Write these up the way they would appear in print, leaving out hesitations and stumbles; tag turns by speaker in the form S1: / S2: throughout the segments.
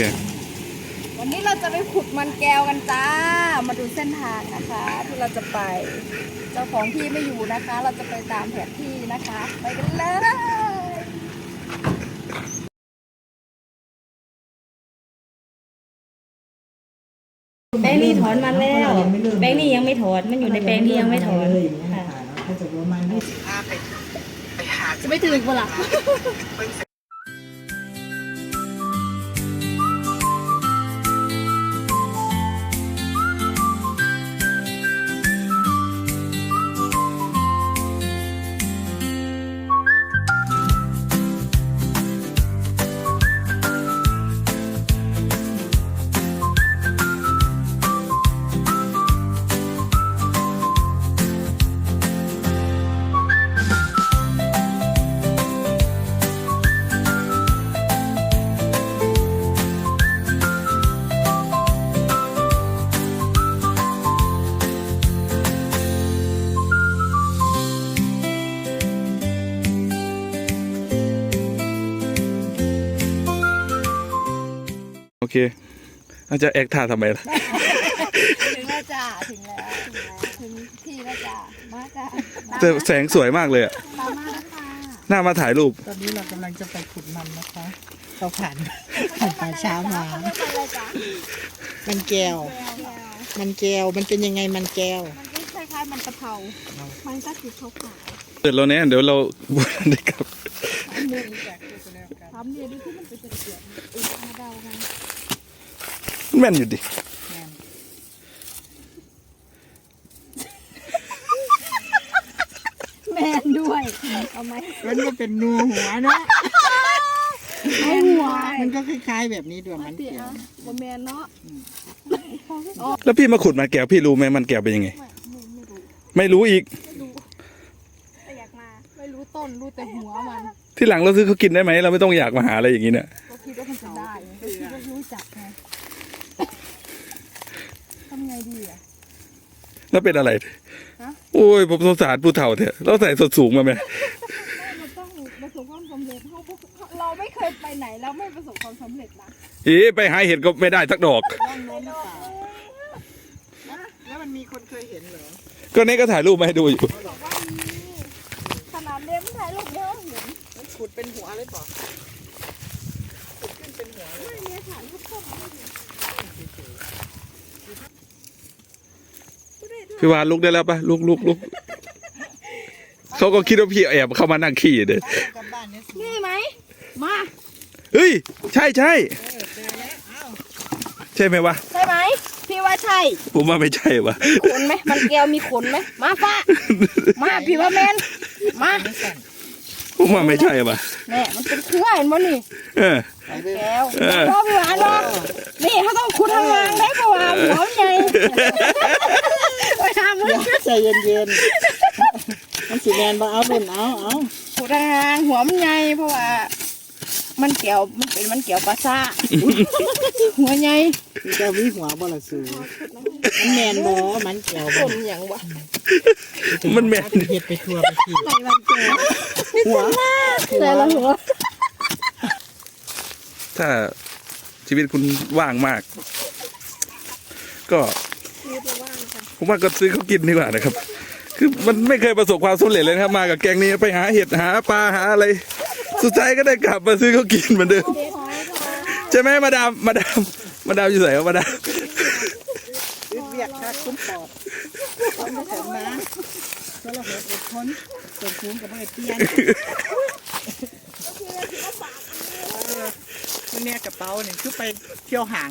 S1: วันนี้เราจะไปขุดมันแก้วกันจ้ามาดูเส้นทางนะคะที่เราจะไปเจ้าของที่ไม่อยู่นะคะ เราจะไปตามแผนที่นะคะไปกันเลย
S2: แป้งนี่ถอนมาแล้วแป้งนี่ยังไม่ถอนมันอยู่ในแป้งที่ยังไม่ถอนค่ะ
S3: จะประมาณนี้
S1: จะไม่ถึงเวลา
S4: โอเคเราจะแอคท่าทำไมล่ะ
S1: ถึงแล้วจ้าถึงที่แล้วจ้ามาจ้า
S4: แต่แสงสวยมากเลยอะ
S1: ตามมานะคะ
S4: น่ามาถ่ายรูป
S3: ตอนนี้เรากำลังจะไปขุดมันนะคะเราผ่านป่าช้ามา
S1: ไม่เป็นไรจ้า
S3: มันแก้ว มันแก้วมันเป็นยังไงมันแก้ว
S1: มันก็คล้ายๆมันกะเพรามันก็คือขาว
S4: เดี๋ยวเราเนี่ยเดี๋ยวเราได้กลับ
S1: ๆทำเนี่ยดูที่มันเป็นเกลือมาเดากัน
S4: แม่นอยู่ดิ
S1: แมนด้วยเอาไหม
S3: มันก็เป็นนูหัวเนาะ
S1: ไอหัว
S3: มันก็คล้ายๆแบบนี้ด้วยมันแก้ว
S1: บะแมนเนาะ
S4: แล้วพี่มาขุดมันแก้วพี่รู้ไหมมันแก้วเป็นยังไง ไม่รู้อีก
S1: แต่อยากมาไม่รู้ต้นรู้แต่หัวมัน
S4: ที่หลังเราซื้อเขากินได้ไหมเราไม่ต้องอยากมาหาอะไรอย่างนี้เนี่ย
S1: ก็คิดว่ามันจะได้ก็คิดว่ารู้จักไงทำไงดีอ่ะ
S4: แล้วเป็นอะไร
S1: ฮะ
S4: โอ้ยผมสงสารผู้เฒ่าเถอะเราใส่สดสูงมาไหม
S1: มันต้องประสบความสำเร็จเราไม่เคยไปไหนแล้วไม่ประสบความสำเร็จนะ
S4: อีไปหาเห็ดก็ไม่ได้สักดอก
S3: ร่องโน้นหรือเปล่าแล้วมันมีคนเคยเห็นเหรอ
S4: ก็นี่ก็ถ่ายรูปมาให้ดูอยู่
S1: บอกว่ามีขนาดเลี้ยงถ่ายรูปเยอะเห็น
S3: มันขุดเป็นหัวเลยเปล่าขุดขึ้นเป็นหัวเลย
S1: ไม่เนี่ยถ่ายรูปเข้ามาไม่เห็น
S4: พี่วานลุกได้แล้วปะลุกเขาก็คิดว่าพี่แอบเข้ามานั่งขี้เด้
S3: กลับบ้านเนี่ยสิ
S1: นี่ไหมมา
S4: เฮ้ยใช่
S3: เจอแล้วอ้าว
S4: ใช่ไหมวะ
S1: ใช่ไหมพี่ว่าใช่
S4: ผมว่าไม่ใช่วะ
S1: ขนไหมมันแก้วมีขนไหมมาฟ้ามาพี่ว่าแมนมา
S4: ผมว่าไม่ใช่วะ
S1: แม่มันเป็นเครือเห็นมั้นี่
S4: เออ
S1: แก้วพ่อพี่หวานเนาะนี่เขาต้องขุดทางล่างได้เพราะว่าหัวมันใหญ่ไปทำมัน
S3: ใจเย็นๆมันสีแดงบ่เอาบุญเอา
S1: ขุดทางล่างหัวมันใหญ่เพราะว่า มันแก้วมันเป็นมันแก้วปลาซ่าหัวใหญ่
S3: มันจะวิหัวบ่ละสูมันแมนบ่มันแก้ว
S1: ต้
S3: บ่
S1: นอย่างวะ
S4: มันแม่น
S3: เห็ดไปทั่วไปที
S1: ไหนมันแก้ว
S3: หัว
S1: แต่ละหัว
S4: ถ้าชีวิตคุณว่างมาก ก็ผมว่าก็ซื้อเขากินดีกว่านะครับ คือมันไม่เคยประสบความสำเร็จเลยนะครับ มากับแกงนี้ไปหาเห็ดหาปลาหาอะไร สุดท้ายก็ได้กลับมาซื้อเขากินเหมือนเดิมใช่ไหมมาดามอยู่ไหนวะมาดาม
S3: เรียกคักคุณปอบต้องมาถึงนะก็เราเหตุอดทนส่งคุ้มกับไม่เปลี่ยนมันเนี่ยกระเป๋าเนี่ยคือไปเที่ยวห่าง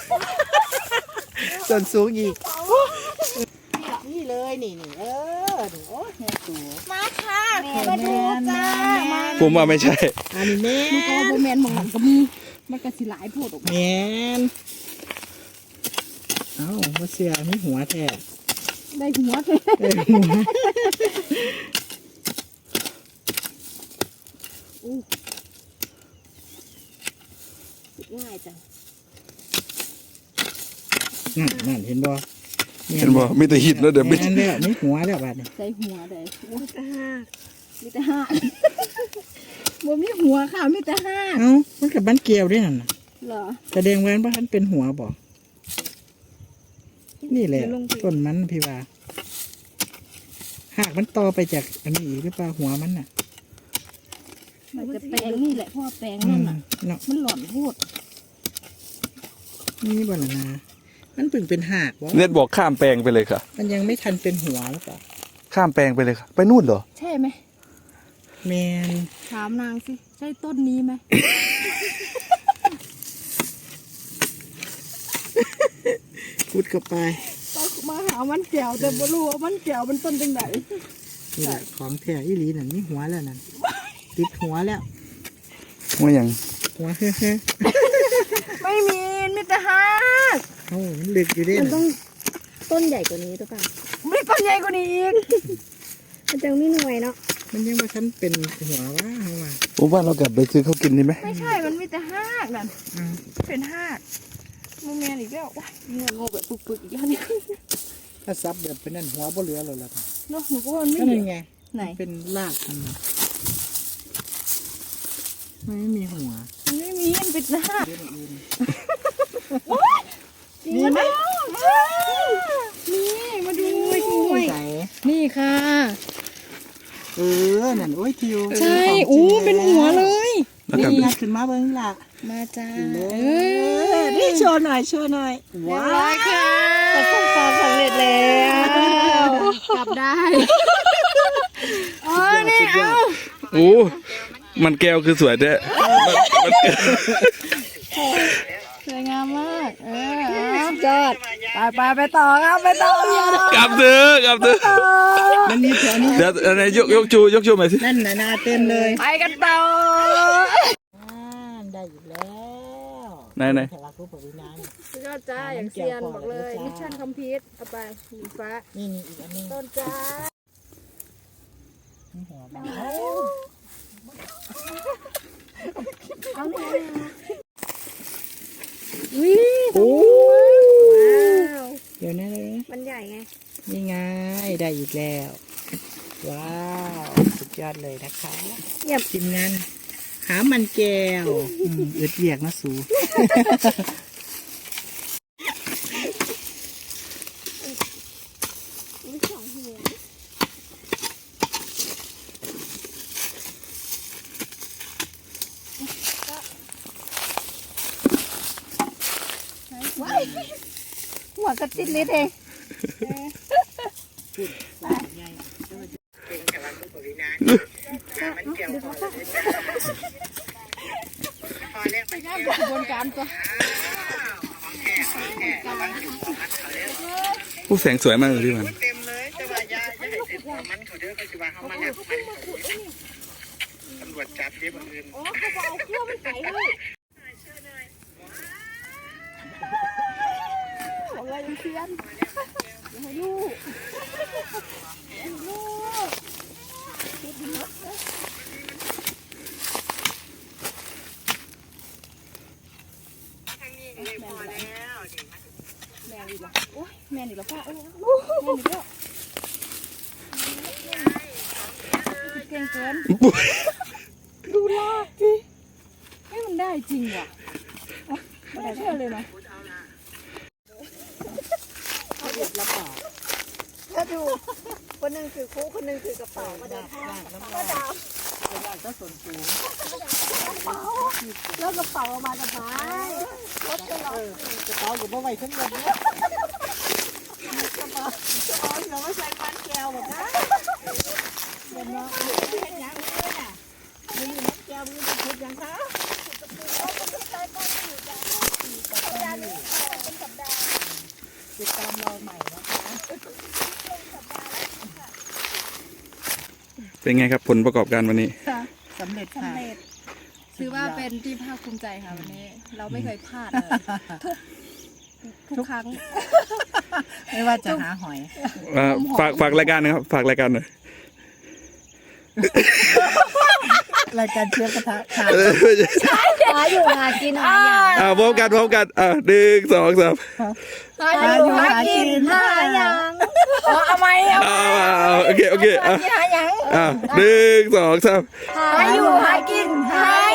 S3: ส่วนสูงอีกนี่เลยนี่โอ้โหแม่สูง
S1: มาค่ะมาดูจ้ามา
S4: ผมว่าไม่ใช่
S3: อันนี้แม่
S1: มันก็โบแมนมองหลังก็มีมันก็สิหลายโพดออกมา
S3: แม่เอ้าว่าเสือนี่หัวแท้
S1: ได้หัวเลย
S3: หัว
S1: ง่ายจัง
S3: นั่นเห็นบ่
S4: เห็นบ่มีแต่หิดแล้วเดี๋ยวไม่
S3: แม่นแล้วไม่หัวแล้วบัดนี้
S1: ใส่หัวได้หัวแต่ห้ามีแต่ห้าบ่มีหัวค่ะมีแต่ห้า
S3: เอ้ามันกับบ้านเกลียวด้วยนั่นน่ะ
S1: ฮเหรอ
S3: แสดงว่ามันเป็นหัวบ่นี่แหละต้นมันพี่ว่าหากมันต่อไปจากอันนี้อีกหรือเปล่าหัวมันน่ะ
S1: มันจะแปลงนี่แหละเพราะว่าแปลงนั่นน่ะ
S3: เนาะ
S1: มันหล่อนพูด
S3: นี่บ่ล่ะนะมันเพิ่งเป็นหากวะ
S4: เน็ตบอกข้ามแปลงไปเลยค่ะ
S3: มันยังไม่ทันเป็นหัวหรือเปล่า
S4: ข้ามแปลงไปเลยค่ะ ไปนู่นเหรอ
S1: ใช่ไหม
S3: แมน
S1: ถามนางสิใช่ต้นนี้ไหม
S3: พูดเข้าไป
S1: ต้องมาหามันแก้วแต่ไม่รู้ว่ามันแก้วมันต้นจังไหน
S3: นี่แหละของแท้อีหลีนั่นนี่หัวแล้วนั่นติดหัวแล้ว
S4: ว่าอย่าง
S3: หัวเฮ้อ
S1: ไม่มีมิตรฮาร์ด
S3: โอ้มันลึกอยู่เด้
S2: มันต้
S3: น่ะ
S2: องต้นใหญ่กว่านี้หรือเปล่า
S1: มีต้นใหญ่กว่านี้อีก
S2: มันจะไม่หน่วยเนาะ
S3: มันยังว่าฉันเป็นหัวว่าเขาว่า
S4: ผมว่าเรากลับไปซื้อเขาวกินดีไหม
S1: ไม่ใช่มันมีแต่ฮากนั่น
S3: อ้าว
S1: เป็นฮากมูแมนอีกแล้วว้ายเงินโง่แบบปึกๆอีกแล้วเนี่ย
S3: ถ้าซับแบบเป็นนั่นหัวบ่เหลือเลยล่ะ
S1: เนาะหนูก็ว่ามัน
S3: ก็
S1: ไม่
S3: นั่
S1: มี
S3: นไง
S1: ไหน
S3: เป็นรากมันน่ะมันไม่มีหัว
S1: มันไม่มีมันเป็นฮาก
S3: เรื่องอื่น
S1: มีไหมนี่มาดู
S3: ใส่
S2: นี่ค่ะ
S3: นั่นโอ้ยทิว
S2: ใช่อู้เป็นหัวเลย
S4: แล้วกลับ
S3: นี่งัดขึ้นมาเบิ้งล่ะ
S2: มาจ้า
S3: นี่โชว์หน่อยว้าว
S2: ประสบความสำเร็จแล้ว
S1: กลับได้อ๋อนี่เอา
S4: โอ้มันแก้วคือสวยแท้มัน
S1: สวยงามมากจอดไปต่อครับไปต่อก
S4: ลับเถอะกลับเถอะ
S3: มันมีแถวนี้
S4: เดี๋ยวอะไรยกชูใหม่สิ
S3: นั่นน่ะนาเต็มเลย
S1: ไปกันต่อ
S3: ได้อยู่แล้ว
S4: ไหน
S3: แถวผู้ปวินาน
S1: สุดยอดจ้าอย่างเซียนบอกเลยมิชชั่นคอมพลีทเอาไปสีฟ้า
S3: นี่อีกอันนึง
S1: ต้นจ้า
S3: หัวมัน
S2: โอ้
S1: ว้าว
S3: เดี๋ยวนะ
S2: มันใหญ่ไง
S3: นี่ไงได้อีกแล้ว ว้าวสุดยอดเลยนะคะทีมงานหามันแก้วอึดเรียกนะสู
S1: ว้ายหัวกระติดลิดเอง ไปงานกระบวนการตัว
S4: ผู้แสงสวยมากเลยพี่มัน
S3: เต็มเลยจะว่ายาจะให้ติดมันเขาเด้อเขาจะว่าเขามาแล้วตำรวจจับเด้บางอื่น
S1: อ๋อเขาบอกเอาเครื่องมันไก่เลยบอกเลยยังเซียนอย่าให้ลูกลูก แม่อีกแล้วโอ้ยแม่อีกแล้วป้าเอ้ยแม่อีกแล้วเก่งเกินดูลากสิให้มันได้จริงว่ะไม่ได้เชื่อเลยนะถ้าดูคนหนึ่งถือคู่คนหนึ่งถือกระเป๋ามาเดินห้างก็ดาวแล้วกระเป๋ามาจากไหนรถจะหลอก
S3: กระเป๋ากับบ่ไหวทั้งหมดเนี่ยกระเป๋าเราไม่ใส่ฟันแก้วหรอกนะเดี๋ยวน้องเห็นยังเลยน่ะมีน้ำแก้วมีน้ำเพชรยังคะติดตามเราใหม่นะคะ
S4: เป็นไงครับผลประกอบการวันนี้
S3: สำเร็จค่ะ
S1: ถือว่าเป็นที่ภาคภูมิใจค่ะวันนี้ เราไม่เคยพลาดเลยทุกครั้ง
S3: ไม่ว่าจะหาหอย
S4: ฝากรายการนะครับ ฝากรายการหน่อย
S3: รายการเชื้อกระทะค่ะ
S2: หาอยู่หากินหาอย่าง
S4: พร้อมกัน1 2 3
S1: หาอยู่หากินหาอย่างเอาไหมเอา
S4: โอเค
S1: หาอย่าง
S4: 1 2 3
S1: หาอยู่หากินหา